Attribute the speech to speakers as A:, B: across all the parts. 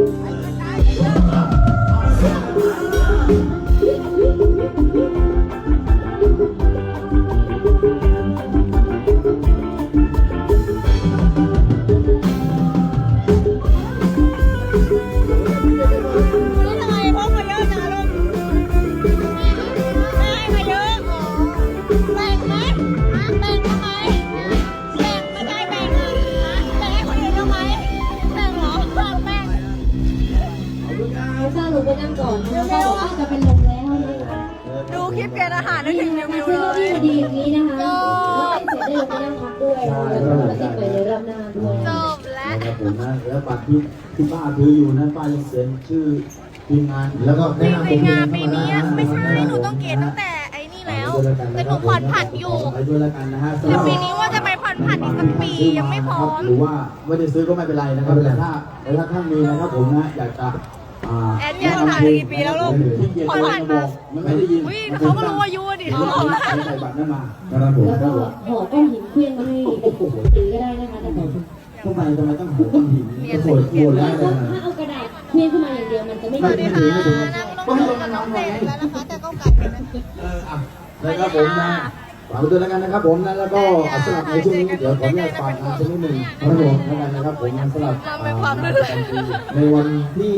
A: ไปนั่งก่อนนะคะบอกว่าจะเป็นลมแล้ว
B: ดูคลิปเกณฑ์อาหารได้ถึงวิวเลย
A: ดีอย่างนี้นะคะเสร็จได้ลงไปนั่งพักด้วยแล้วก็มาติดไปในรอบหน้าด้วย
B: จบแล้ว
C: ครับผมนะแล้วบัตรที่ป้าถืออยู่นั้นป้ายังเขียนชื่อทีมงานแล้วก็แนะนำผม
B: จริงๆงานปีนี้ไม่ใช่หนูต้องเกณฑ์ตั้งแต่ไอ้นี่แล้วแต่หนูผ่อนผันอยู่
C: ไปด้วยแล้วกันนะฮะ
B: แต่ปีนี้ว่าจะไปผ่อนผันอีกสักปียังไม่พร้อม
C: หรือว่าไม่ได้ซื้อก็ไม่เป็นไรนะครับแต่ถ้าท่านมีนะครับผมนะอยากจะ
B: แอดยันผ่านกี่ปีแล้วลูกผ่อนผันมา
C: ไม่ได้ยิน
B: เขาก็รู้อายุดิเขาบอกว่า
C: ใส่บัตรนั่นมา
A: แล้วก็ห่อก้อนหินเคลื่อนมาให้ตีก็ได้นะคะแต่
C: ทำไมต้องห่อก้อนหินโผล่ได้เลย
A: ถ้าเอากระดาษเคลื่อนขึ้นมาอย่างเดียวมันจะไม่
B: ดีค่ะนั่งลงกับน้องเด็กแล้วนะคะแต่ก็กัดกันนะ
C: นะครับผมนะฝากไปด้วยแล้วกันนะครับผมนะแล้วก็สำหรับในช่วงนี้เดี๋ยวขออนุญาตฝากงานสักนิดหนึ่งครับผมแล้วกันนะครับผมสำหรับในวันที่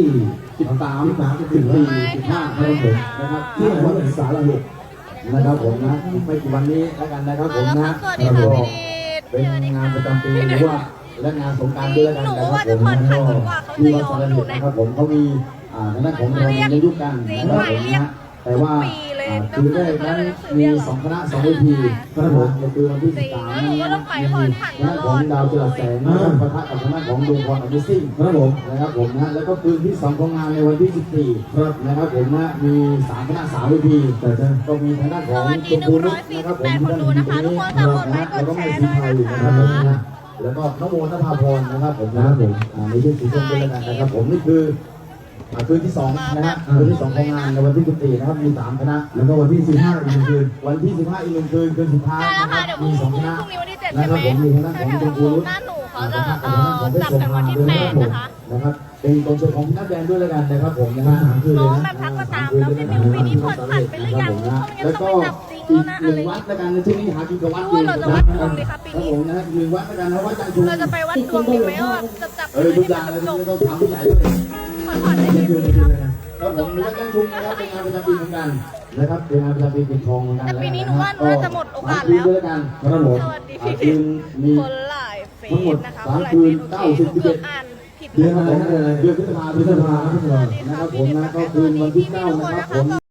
C: 13 14 15ครับผมนะครับที่วัดสารหุนะครับผมนะไม่กี่วันนี้แล้วกันนะครับผมนะแล้วก็เป็นงานประจำปีหรือว่าและงานสงกรานต์ด้วยแล้วกันนะครับผมที่วัดสารหุนะครับผมเขามีทางด้านของเราในยุคกันนะครับผมนะแต่ว่าคืนแรกนั้นมี2คณะ2เวทีครับผมในคืนวันที่13นั้นมีคณะของดาวจรัสแสงนะครับปะทะกับคณะของดวงพรอภิสิทธิ์ครับผมนะครับผมนะแล้วก็คืนที่2ของงานในวันที่14ครับนะครับผมนะมี3คณะ3เวทีก็มีทางด้านของชมพูนุชนะครับผมที่ด้านนี้นะแล้วก็แม่สีไทยนะครับผมนะแล้วก็น้องโมนภาพรนะครับผมนะครับผมในชื่อสีส้มด้วยกันนะครับผมนี่คือคืนที่2นะฮะคืนที่2ของงานในวันที่14นะครับมี3คณะแล้วก็วันที่15อีก1คืนวันที่15อีก1คืนคืนสุดท้ายมี2คณะนะครับผมมีคณะของชมพูนุช
B: เขาจะจับกันวันที่8
C: นะครับเป็นกองเชียร์ของนักแดนด้วยแล้วกันนะครับผมนะฮะ
B: น้องแบบทักมาตามแล้วเป็นปีนี้ผ่อนผันไปหรือยัง
C: แล้วก็อีก1วัดแล้วกันในช่วงนี้หากินกับวัดอยู่
B: เราจะวัดดวงดีครับปีนี้
C: ผมนะ1วัดแล้วกันนะวัดจันทร์ชุม
B: เราจะไปวัดดวงดีไหมว่าจับ
C: ทุกอย่างเลยต้องถามผู้ใหญ่ด้วย
B: ผ่อนได้กี่ปีครับ
C: ครับผมวัดจันทร์ชุมนะครับเป็นงานประจำปีเหมือนกันนะครับเป็นงานประจำปีปิดทองเหมือนกัน
B: ปีนี้หนูว่าน่าจะหมดโอกาสแล้ว
C: ด้วยกันครับผมคืนมีทั้งหมด3คืน90 11เดือนอะไรเดือนพฤษภาคมนะครับผมนะก็คืนวันที่9นะครับผม